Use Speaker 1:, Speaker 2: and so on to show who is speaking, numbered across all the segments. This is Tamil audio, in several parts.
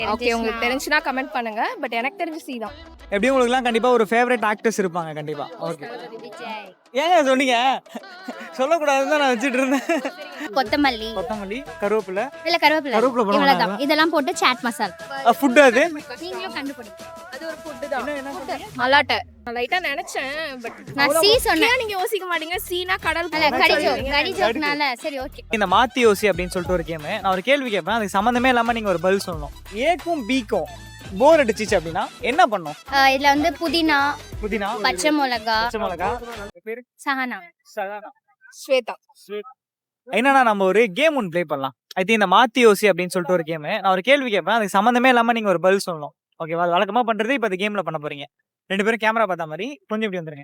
Speaker 1: ஓகே, உங்களுக்கு தெரிஞ்சுனா கமெண்ட் பண்ணுங்க. பட் எனக்கு தெரிஞ்சு சி தான்.
Speaker 2: எப்படியும் உங்களுக்குலாம் கண்டிப்பா ஒரு ஃபேவரட் ஆக்டர்ஸ் இருப்பாங்க கண்டிப்பா. ஓகே. ஏங்க சொன்னீங்க? சொல்லக்கூடாதுன்னு தான் நான் வச்சிட்டு இருந்தேன்.
Speaker 3: கொத்தமல்லி,
Speaker 2: கொத்தமல்லி, கருவேப்பிலை.
Speaker 3: இல்ல கருவேப்பிலை
Speaker 2: கருவேப்பிலை போட
Speaker 3: இவ்வளவுதான்.
Speaker 2: மாட்டாங்களா?
Speaker 3: இதெல்லாம் போட்டு சாட் மசால்.
Speaker 2: ஃபுட் அது?
Speaker 3: நீங்களும் கண்டுபிடிங்க.
Speaker 1: அது ஒரு ஃபுட் தான். மலாட்டை. நான் லைட்டா நினைச்சேன். பட்
Speaker 3: நான் சி சொன்னேன்.
Speaker 1: நீங்க யோசிக்க மாட்டீங்க. சீனா கடல்
Speaker 3: அல்ல கடிஜோ
Speaker 1: சொல்லுவீங்க.
Speaker 3: கடிஜோக்னால சரி ஓகே.
Speaker 2: இந்த மாத்தி யோசி அப்படின்னு சொல்லிட்டு ஒரு கேம். நான் ஒரு கேள்வி கேட்பேன். அதுக்கு சம்மந்தமே இல்லாம நீங்க ஒரு பதில் சொல்லணும். ஏக்கும் பிக்கும் போர் அடிச்சிச்சு அப்படின்னா என்ன பண்ணும்?
Speaker 3: இதுல வந்து புதினா,
Speaker 2: புதினா,
Speaker 3: பச்சை மிளகா,
Speaker 2: பச்சை மிளகா, பேரு
Speaker 3: சஹானா.
Speaker 2: சதானா.
Speaker 1: ஸ்வேதா.
Speaker 2: என்னன்னா நம்ம ஒரு கேம் ஒன்று ப்ளே பண்ணலாம். ஐ திங்க் இந்த மாத்தி யோசி அப்படின்னு சொல்லிட்டு ஒரு கேம். நான் ஒரு கேள்வி கேட்பேன். அதுக்கு சம்மந்தமே இல்லாம நீங்க ஒரு பதில் சொல்லணும். ஓகேவா? அது வழக்கமா பண்றது இப்போ இந்த கேம்ல பண்ண போறீங்க. 2 பேரும் கேமரா பார்த்த மாதிரி கொஞ்சம் இப்படி வந்துருங்க.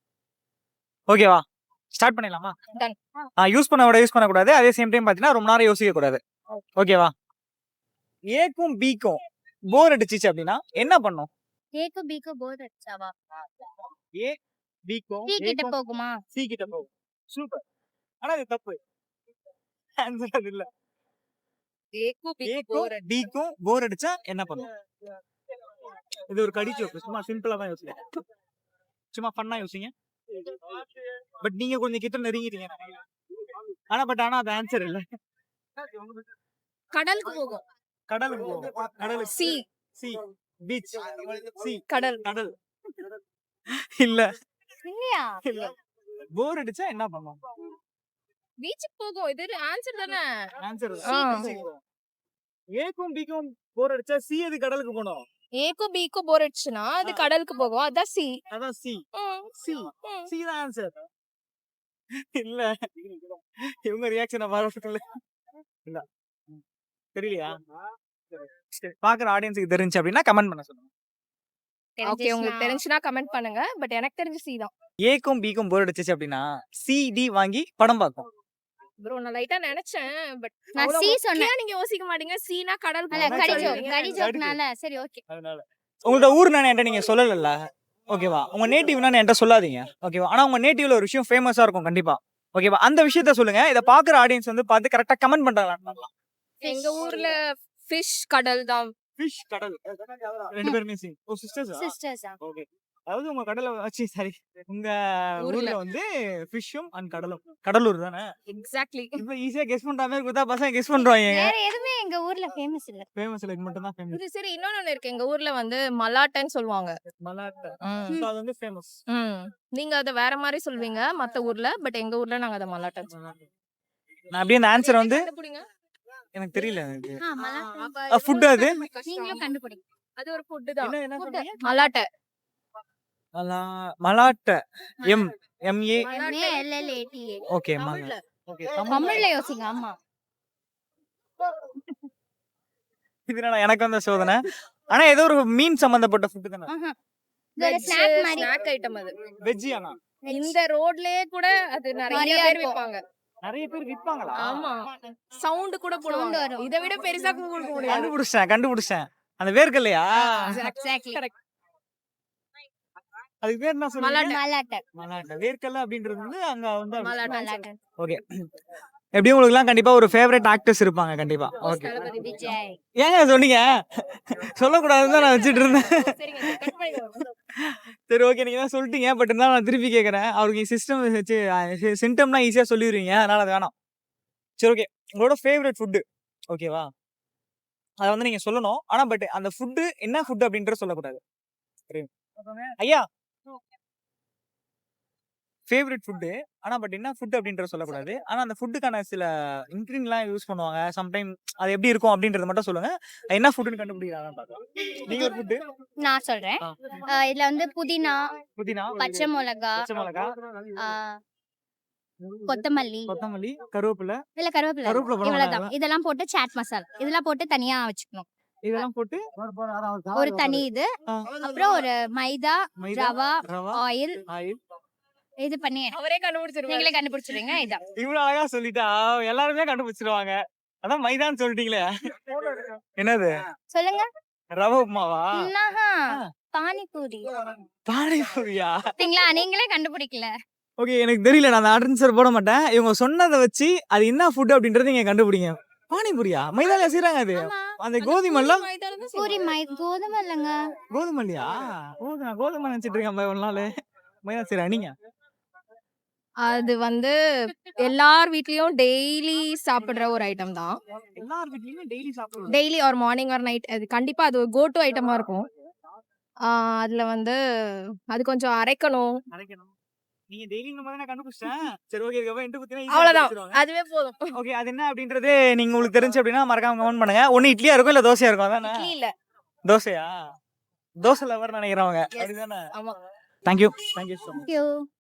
Speaker 2: ஓகேவா? ஸ்டார்ட் பண்ணிடலாமா?
Speaker 1: Done.
Speaker 2: யூஸ் பண்ணக்கூடாது. அதே சேம் டைம் பார்த்தீங்கன்னா ரொம்ப நேரம் யோசிக்க கூடாது. ஓகேவா? ஏக்கும் பிக்கும் போர் அடிச்சிச்சு அப்படின்னா என்ன பண்ணும்?
Speaker 3: ஏக்கு பிக்கு போர் அடிச்சாவா?
Speaker 2: ஏ பிக்கும்
Speaker 3: சி கிட்ட போகுமா?
Speaker 2: சி கிட்ட போகும். சூப்பர். ஆனா இது தப்பு. ஆன்சர் அது இல்ல.
Speaker 1: ஏக்கு
Speaker 2: ஏக்கும் பிக்கும் போர் அடிச்சா என்ன பண்ணும்? இது ஒரு கடி ஜோக். சும்மா சிம்பிளா தான் யோசிங்க. சும்மா ஃபன்னா யோசிங்க. பட் நீங்க கொஞ்சம் கிட்ட நெருங்கிட்டீங்க. ஆனா அது ஆன்சர் இல்ல.
Speaker 1: கடலுக்கு போகும்.
Speaker 2: கடலுக்கு போகும். கடல்
Speaker 1: சி.
Speaker 2: C beach. சி
Speaker 1: கடல்.
Speaker 2: கடல். இல்ல
Speaker 3: இல்லையா?
Speaker 2: இல்ல. போர் அடிச்சா என்ன பண்ணும்?
Speaker 1: பீச்சுக்கு போகும். இது ஆன்சர் தானே.
Speaker 2: ஆன்சர்
Speaker 1: ஆ.
Speaker 2: ஏக்கும் பிக்கும் போர் அடிச்சா சி எது கடலுக்கு போணும்?
Speaker 1: ஏக்கு பிக்கு போர் அடிச்சுனா அது கடலுக்கு போகும். அதான் சி.
Speaker 2: அதான் சி. சி சி தான் ஆன்சர். இல்ல இவங்க ரியாக்ஷனை மாறல. இல்ல தெரியலையா? சரி, பாக்குற ஆடியன்ஸுக்கு தெரிஞ்சு அப்படின்னா கமெண்ட் பண்ண சொல்லுங்க.
Speaker 1: ஓகே, உங்களுக்கு தெரிஞ்சுனா கமெண்ட் பண்ணுங்க. பட் எனக்கு தெரிஞ்சு சி தான்.
Speaker 2: ஏக்கும் பிக்கும் போர் அடிச்சிச்சு அப்படின்னா சிடி வாங்கி படம் பார்க்கும்.
Speaker 1: ப்ரோ நான் லைட்டா நினைச்சேன். பட்
Speaker 3: நான் சி சொன்னேன்.
Speaker 1: நீங்க யோசிக்க மாட்டீங்க. சீனா கடல்
Speaker 3: அல்ல
Speaker 1: போகும்
Speaker 3: கடிஜோ
Speaker 1: சொல்லுவீங்க.
Speaker 3: கடிஜோக்னால சரி ஓகே.
Speaker 2: அதனால உங்களோட ஊர் நான் என்கிட்ட நீங்க சொல்லல. ஓகேவா? உங்க நேட்டிவ் நான் என்கிட்ட சொல்லாதீங்க. ஓகேவா? ஆனா உங்க நேட்டிவ்ல ஒரு விஷயம் ஃபேமஸா இருக்கும் கண்டிப்பா. ஓகேவா? அந்த விஷயத்த சொல்லுங்க. இத பாக்குற ஆடியன்ஸ் வந்து பார்த்து கரெக்டா கமெண்ட் பண்றாங்களா?
Speaker 1: எங்க ஊர்ல ஃபிஷ் கடல் தான்.
Speaker 2: ஃபிஷ் கடல். ரெண்டு பேருமே சி. Oh sisters.
Speaker 3: சிஸ்டர்ஸா?
Speaker 2: ஓகே. அதாவது உங்க கடல சாரி உங்க ஊர்ல வந்து ஃபிஷ்ஷும் அண்ட் கடலும். கடலூர் தானே?
Speaker 1: எக்ஸாக்ட்லி.
Speaker 2: இப்ப ஈஸியா கெஸ் பண்ற மாதிரி கொடுத்தா பசங்க கெஸ் பண்றாங்க.
Speaker 3: வேற எதுவுமே எங்க ஊர்ல ஃபேமஸ் இல்ல.
Speaker 2: ஃபேமஸ் இல்ல, இது மட்டும் தான் ஃபேமஸ்.
Speaker 1: இது சரி, இன்னொன்னு இருக்கு. எங்க ஊர்ல வந்து மலாட்டைன்னு சொல்லுவாங்க.
Speaker 2: மலாட்டை.
Speaker 1: ம்.
Speaker 2: So அது வந்து ஃபேமஸ்.
Speaker 1: ம். நீங்க அத வேற மாதிரி சொல்வீங்க மத்த ஊர்ல. பட் எங்க ஊர்ல நாங்க அத மலாட்டைன்னு சொல்லுவோம்.
Speaker 2: நான் அப்படியே அந்த ஆன்சர் வந்து
Speaker 1: கண்டுபிடிங்க.
Speaker 2: எனக்கு தெரியல எனக்கு.
Speaker 3: மலாட்டை.
Speaker 2: ஃபுட் அது?
Speaker 3: நீங்களும் கண்டுபிடிங்க.
Speaker 1: அது ஒரு ஃபுட் தான்.
Speaker 2: என்ன சொன்னீங்க?
Speaker 1: மலாட்டை.
Speaker 2: மலாட்டை. M M A.
Speaker 3: MALLATA.
Speaker 2: ஓகே
Speaker 1: தமிழ்ல.
Speaker 2: ஓகே.
Speaker 3: தமிழ்ல யோசிங்க. ஆமா.
Speaker 2: இதனால எனக்கு வந்த சோதனை. ஆனா ஏதோ ஒரு மீன் சம்பந்தப்பட்ட ஃபுட் தானே?
Speaker 3: ஆஹா. இது ஒரு ஸ்நாக் மாதிரி.
Speaker 1: ஸ்நாக் ஐட்டம் அது.
Speaker 2: வெஜ் ஆனா
Speaker 1: இந்த ரோட்லயே கூட அது நிறைய
Speaker 3: நிறைய
Speaker 1: பேர்
Speaker 3: இருக்கும்.
Speaker 1: விப்பாங்க.
Speaker 2: நிறைய பேர் விற்பாங்களா?
Speaker 1: ஆமா. சவுண்ட் கூட போடுவாங்க.
Speaker 3: வரும்.
Speaker 1: இத விட பெருசா கொடுக்க முடியாது.
Speaker 2: கண்டுபிடிச்சேன். அந்த வேர்க்கல்லையா?
Speaker 3: எக்ஸாக்ட்லி.
Speaker 2: அதுக்கு பேர் என்ன சொன்னீங்க?
Speaker 3: மலாட்டை.
Speaker 2: மலாட்டை. வேர்க்கல்ல அப்படின்றது வந்து அங்க வந்து
Speaker 1: மலாட்டை.
Speaker 2: ஓகே. எப்படியும் உங்களுக்குலாம் கண்டிப்பா ஒரு ஃபேவரட் ஆக்டர்ஸ் இருப்பாங்க கண்டிப்பா. ஓகே.
Speaker 3: தளபதி விஜய்.
Speaker 2: ஏங்க சொன்னீங்க? சொல்லக்கூடாதுன்னு தான் நான் வச்சிட்டு இருந்தேன்.
Speaker 1: சரிங்க, கட் பண்ணிடுங்க.
Speaker 2: சரி ஓகே, நீங்க தான் சொல்லிட்டீங்க. பட் இருந்தாலும் நான் திருப்பி கேட்கறேன். அவருக்கு சிஸ்டம் வச்சு சிம்டம்லாம் ஈஸியா சொல்லிடுவீங்க. அதனால அது வேணாம். சரி ஓகே. உங்களோட ஃபேவரட் ஃபுட் ஓகேவா? அத வந்து நீங்க சொல்லணும். ஆனா பட் அந்த ஃபுட் என்ன ஃபுட் அப்படின்றத சொல்லக்கூடாது. ஐயா ஃபேவரட் ஃபுட். ஆனா பட் என்ன ஃபுட் அப்படின்றத சொல்லக்கூடாது. ஆனா அந்த ஃபுட்டுக்கான சில இன்கிரீடியன்ட்லாம் யூஸ் பண்ணுவாங்க. சம்டைம் அது எப்படி இருக்கும் அப்படின்றத மட்டும் சொல்லுங்க. அது என்ன ஃபுட்னு கண்டுபிடிக்கலாம் பார்க்கலாம். நீங்க ஒரு ஃபுட்
Speaker 3: நான் சொல்றேன். இதுல வந்து புதினா,
Speaker 2: புதினா,
Speaker 3: பச்சை மிளகா,
Speaker 2: பச்சை மிளகா,
Speaker 3: கொத்தமல்லி,
Speaker 2: கொத்தமல்லி, கருவேப்பிலை.
Speaker 3: இல்ல கருவேப்பிலை
Speaker 2: கருவேப்பிலை போட
Speaker 3: இவ்வளவுதான்.
Speaker 2: மாட்டாங்களா?
Speaker 3: இதெல்லாம் போட்டு சாட் மசால். இதெல்லாம் போட்டு தனியா வச்சுக்கணும்.
Speaker 2: இதெல்லாம் போட்டு
Speaker 3: ஒரு தனி இது. அப்புறம் ஒரு மைதா,
Speaker 2: மைதா,
Speaker 3: ரவா,
Speaker 2: ரவா,
Speaker 3: ஆயில்
Speaker 2: ஆயில்.
Speaker 3: இது பண்ணி
Speaker 1: அவரே கண்டுபிடிச்சிருவாங்க.
Speaker 3: நீங்களே கண்டுபிடிச்சிடுங்க. இதான்.
Speaker 2: இவ்வளவு அழகா சொல்லிட்டா எல்லாருமே கண்டுபிடிச்சிருவாங்க. அதான் மைதான்னு சொல்லிட்டீங்களே. என்னது?
Speaker 3: சொல்லுங்க.
Speaker 2: ரவை உப்புமாவா?
Speaker 3: என்னஹா? பானிபூரி.
Speaker 2: பானிபூரியா?
Speaker 3: பாத்தீங்களா? நீங்களே கண்டுபிடிக்கல.
Speaker 2: ஓகே, எனக்கு தெரியல. நான் அந்த ஆன்சர் போட மாட்டேன். இவங்க சொன்னதை வச்சு அது என்ன ஃபுட் அப்படின்றத நீங்க கண்டுபிடிங்க. பானிபூரியா மைதால செய்றாங்க அது
Speaker 3: ஆமா.
Speaker 2: அந்த கோதுமைல
Speaker 3: பூரி கோதுமை இல்லைங்க.
Speaker 2: கோதுமை இல்லையா நான் கோதுமை நினைச்சிட்டு இருக்கேன் ஒரு நாள் மைதா செய்றா நீங்க
Speaker 1: அது வந்து எல்லார் வீட்லயும் டெய்லி சாப்பிடுற ஒரு ஐட்டம் தான்.
Speaker 2: எல்லார் வீட்லயுமே டெய்லி சாப்பிடுவோம்
Speaker 1: டெய்லி ஒரு மார்னிங் ஆர் நைட் அது கண்டிப்பா அது ஒரு கோ டு ஐட்டமா இருக்கும். அதுல வந்து அது கொஞ்சம் அரைக்கணும்.
Speaker 2: அரைக்கணும் நீங்க டெய்லி இந்த மாதிரி நான் கண்டுபிடிச்சேன் சரி ஓகே இதுக்கப்புறம் இன்ட்டு குத்தினா
Speaker 1: அவ்வளவுதான். அதுவே போதும்.
Speaker 2: ஓகே அது என்ன அப்படின்றது நீங்க உங்களுக்கு தெரிஞ்சு அப்படின்னா மறக்காம கமெண்ட் பண்ணுங்க ஒன்னு இட்லியா இருக்கும் இல்ல தோசையா இருக்கும் அதானே
Speaker 1: இட்லி இல்ல.
Speaker 2: தோசையா தோசை லவர் நினைக்கிறவங்க அப்படிதானே
Speaker 1: ஆமா.
Speaker 2: Thank you so much
Speaker 3: Thank you.